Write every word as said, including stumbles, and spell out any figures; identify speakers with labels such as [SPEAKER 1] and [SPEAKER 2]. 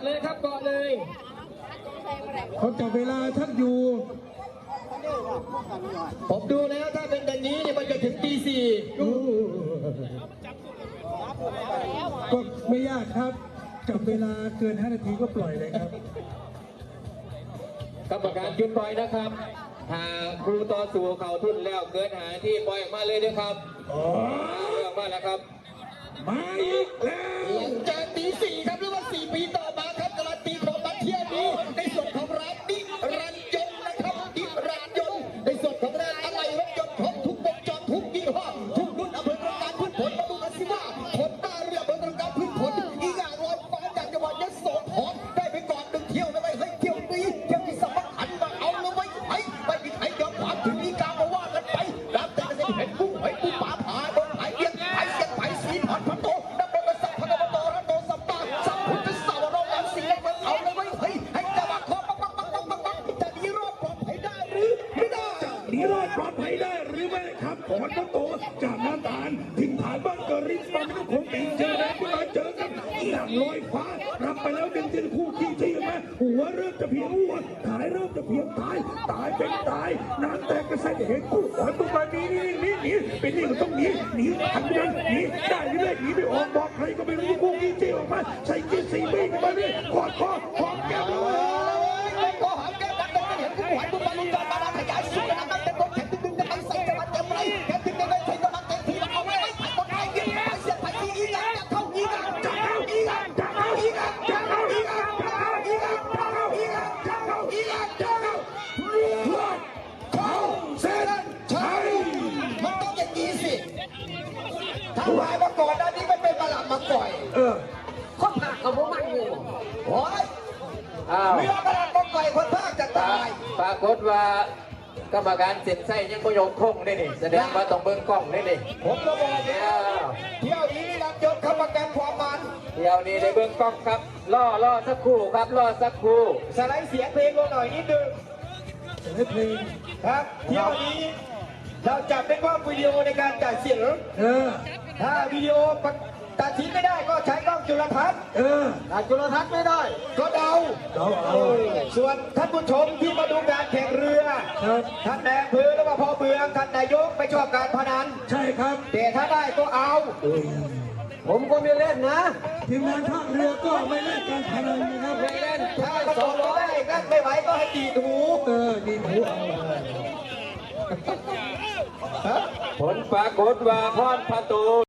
[SPEAKER 1] เลยครับเกาะเลย
[SPEAKER 2] เขาจับเวลาทักอยู่
[SPEAKER 1] ผมดูแล้วถ้าเป็นแบบนี้เนี่ยมันจะถึงตีสี่
[SPEAKER 2] ก็ไม่ยากครับจับเวลาเกินห้านาทีก็ปล่อยเลยครับ
[SPEAKER 1] กรรมการจุดปล่อยนะครับหากครูต่อสู่เขาทุ่นแล้วเกินหาที่ปล่อยออกมาเลยนะครับอ๋อเรื่องมาแล้วครับ
[SPEAKER 2] มาอีกแล้ว
[SPEAKER 1] หลังจากตีสี่ครับหรือว่าสี่ปีต่อมาครับการันตีของนักเที่ยวนี้ในส่วนของร้านดิรันยนต์นะครับดิรันยนต์ในส่วนของร้านอะไรรถยนต์ของทุกวงจรทุกยี่ห้อทุกรุ่นอำเภอประการพืชผลมาดูกันสิว่าคนตาเรืออำเภอประการพืชผลอีกอย่างลอยฟ้าจากจังหวัดยโสธรได้ไปก่อนหนึ่งเที่ยวนะไว้เฮ้ยเที่ยวนี้เที่ยวที่สำคัญมาเอาเลยไว้ไอ้ไม่มีใครยอมความถึงนี้กามาว่ากันไปรับแต่เกษตรเห็นกุ้งหอยปูปลาผาโดนไผ่เลี้ยงไผ่เสียงไผ่สีผ่อนพันโตนับเป็นสัพพะกโตระโตสัมปาสัพพุทธสาวรองวันสีเล็กมันเอาเลยไว้เฮ้ยให้จังหวะคอปักปักปักปักปักปักจะหนีรอดปลอดภัยได้หรือไม่ได้
[SPEAKER 2] หนีรอดปลอดภัยได้หรือไม่ครับผ่อนพันโตจากน้ำตาลถิ่นฐานบ้านเกิดริมฝั่งแม่น้ำโขงปีเจอแดงขึ้นมาเจอกันอย่างลอยฟ้ารับไปแล้วหนึ่งเจนคู่ขี้ชี้มาหัวเริ่มจะเพียงหัวท้ายเริ่มจะเพียงตายตายเป็นตายน้ำแตกกระใสเห็นกู้หอยตัวมาหนีหนีหนีหนีเป็นนี่ก็ต้องหนีหนีทันยันหนีได้หรือไม่หนีไม่ออกบอกใครก็ไม่รู้คู่ขี้ชี้ออกมาใส่กีสีบีกันมาเนี่ยกอดคอหอมแก้มเลย
[SPEAKER 1] ก็หอมแก้มดังเดินเห็นกุ้งหอยปูปลาลุงจอดมาขยายสุดนะครับเต็มบนแขนตึงๆกำลังใส่จะมาเต็มเลยแขนตึงๆเลยใส่กำลังเต็มที่เอาไว้ไผ่บนไผ่เยี่ยมไผ่เสียบไผ่ที่อีกอย่างจะเข้าอีกอ่ะจะเข้าอีกอ่ะจะเข้าอีกอ่ะจะเข้าอีกอ่ะจะเข้าอีกอ่ะจะเข้าอีกอ่ะจะเข้าอีกอ่ะจะเข้าเพื่อเข้าเส้นชัยมันต้องอย่างนี้สิถ้าหายมาก่อนอันนี้มันเป็นมาหลับมาก่อย
[SPEAKER 2] เออ
[SPEAKER 1] คนภาคกับผมมันอยู่โอ้ยเรือมาหลับมาก่อยคนภาคจะตาย
[SPEAKER 3] ปรากฏว่ากรรมการเซ็นไส้ยังก็ยกคงได้นี่แสดงว่าต้องเบิ้งกล้องได้นี่
[SPEAKER 1] ผมก็บอกแล้วเที่ยวนี้นี่รับยศกรรมการความมัน
[SPEAKER 3] เที่ยวนี้ได้เบิ้งกล้องครับล่อล่อสักครู่ครับล่อสักครู่
[SPEAKER 1] สไลด์เสียงเพลงลงหน่อยนิดนึง
[SPEAKER 2] สไลด์เพลง
[SPEAKER 1] ครับเที่ยวนี้เราจับเป็นกล้องวิดีโอในการจ่ายเสียง
[SPEAKER 2] เออ
[SPEAKER 1] ถ้าวิดีโอตัดทิ้งไม่ได้ก็ใช้กล้องจุลทรรศน์
[SPEAKER 2] เออ
[SPEAKER 1] ถ้าจุลทรรศน์ไม่ได้ก็เดา
[SPEAKER 2] เดาเอา
[SPEAKER 1] ส่วนท่านผู้ชมที่มาดูการแข่งเรือท่านนายอำเภอหรือว่าพ่อเมืองท่านนายกไม่ชอบการพนัน
[SPEAKER 2] ใช่ครับ
[SPEAKER 1] แต่ถ้าได้ก็เอาผมก็ไม่เล่นนะ
[SPEAKER 2] ทีมงานท่าเรือก็ไม่เล่นการพนันนะครับ
[SPEAKER 1] ไม่เล่นถ้าสองร้อยก็ไม่ไหวก็ให้ตีหู
[SPEAKER 2] เออตีหูเอา
[SPEAKER 3] ผลปรากฏว่าพรประตู